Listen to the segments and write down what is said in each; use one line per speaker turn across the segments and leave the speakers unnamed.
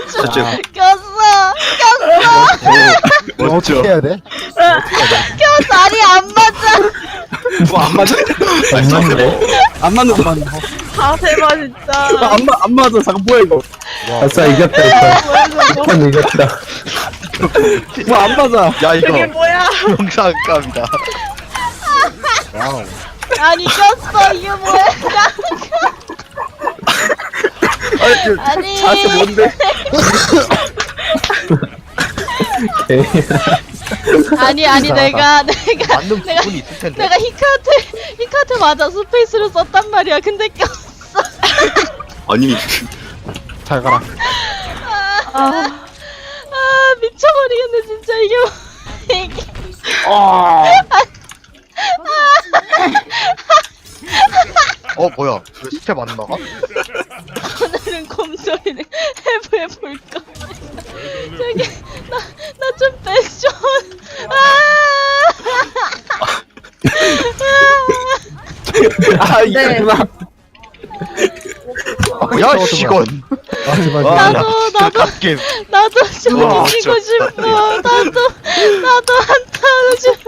저쪽.
꼈어.
멋져.
어떻게 해야 돼?
꼈어. 아니 안 맞아.
뭐안 맞아?
안 맞네.
안 맞는 거.
자세봐 진짜.
안 맞아. 잠깐 뭐야 이거?
아싸 이겼다 일단. 일단 이겼다.
뭐 안 맞아?
야
이게
이거
뭐야?
영상감이다.
와우.
아니 꼈어. 이게 뭐야? 아니.
자세 뭔데?
아니 내가
맞는 부분이 있을 텐데.
내가 히카트 맞아 스페이스를 썼단 말이야. 근데 꼈어.
아니
잘 가라.
아 미쳐버리겠네 진짜 이게 이게
뭐야? 왜 스텝 안 나가?
오늘은 곰소리를 해볼까. 저기 나 좀 빼줘.
네.
야 이건.
나도
갓겜.
나도 좀
우와,
이기고
진짜.
싶어. 나도 한타 하고 싶어.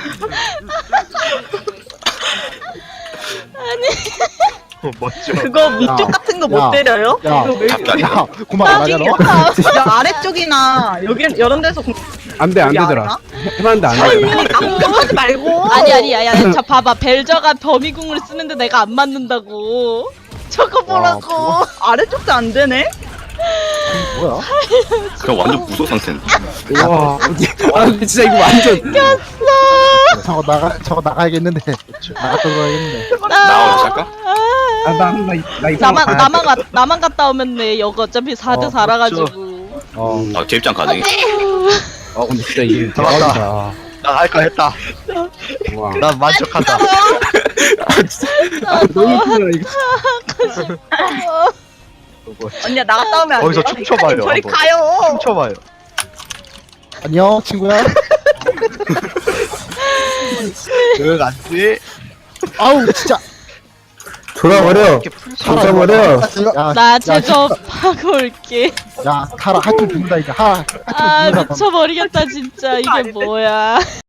아니
멋져.
그거 위쪽 같은 거 못 때려요?
야,
이거 왜
잡다리.
야, 그만 맞아 너.
야 아래쪽이나 여기 이런 데서
안돼 안 되더라. 해봤는데 안 되더라.
하지 말고.
아니 야 자 봐봐 벨저가 범위궁을 쓰는데 내가 안 맞는다고. 저거 보라고.
아래쪽도 안 되네?
뭐야?
그냥 완전 무소 상태인데.
와. 아 근데 진짜 이거 완전.
저거 나가야겠는데. 나갔다 들어야겠는데.
나와요 잠깐.
나 이상.
나만 갔다 오면 돼. 여기 어차피 4대 4라 가지고.
아 제입장 가능해.
아 근데 진짜 이게
잡았다.
대박이다.
나 할까 했다.
와.
난 만족한다.
너무 크다 이거.
하고 싶어.
언니야 나갔다 오면 안
거기서
돼요?
춤춰봐요,
저리
한번.
가요.
춤춰봐요.
안녕 친구야.
응 안지.
아우 진짜. 돌아버려.
이렇게 풀
돌아버려.
나 제접하고 올게.
야 타라 하트 죽는다 이제. 하.
아 미쳐버리겠다 진짜. 이게 뭐야.